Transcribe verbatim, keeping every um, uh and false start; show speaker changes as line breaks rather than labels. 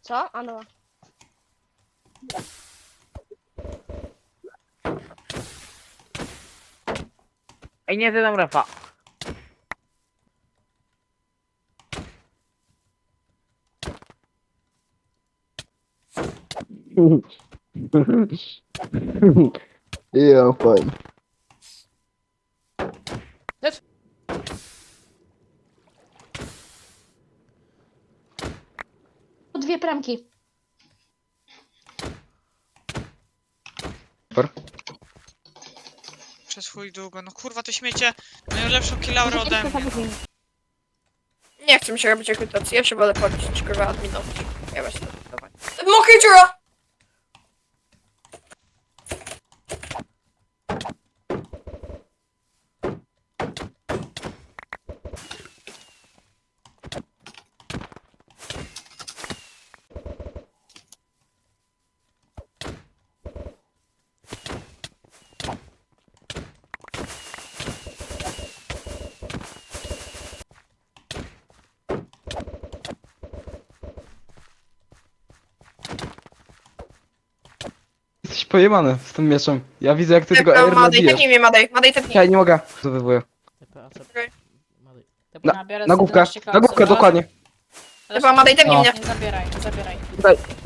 Co? A no.
Ej, nie zjadam refa.
Ja, fajnie.
Dwie premki.
Super.
Przez chuj długo. No kurwa, to śmiecie mają lepszą kilaurę ode mnie.
Nie chcę mi się robić rekrutacji, ja się wolę podnieść, kurwa, adminować. Ja właśnie dawaj. Mokrej dziura!
Jesteś pojebany z tym mieczem. Ja widzę jak ty tego
Dobra,
air
Madej,
nabijasz.
tepnij mnie, Madej, Madej, tepnij.
Ja nie mogę. To wywołuję.
Okej.
Na, na główkę, na główkę dokładnie.
Dobra, Madej, tepnij
No.
mnie.
Nie zabieraj, nie zabieraj.
Tutaj.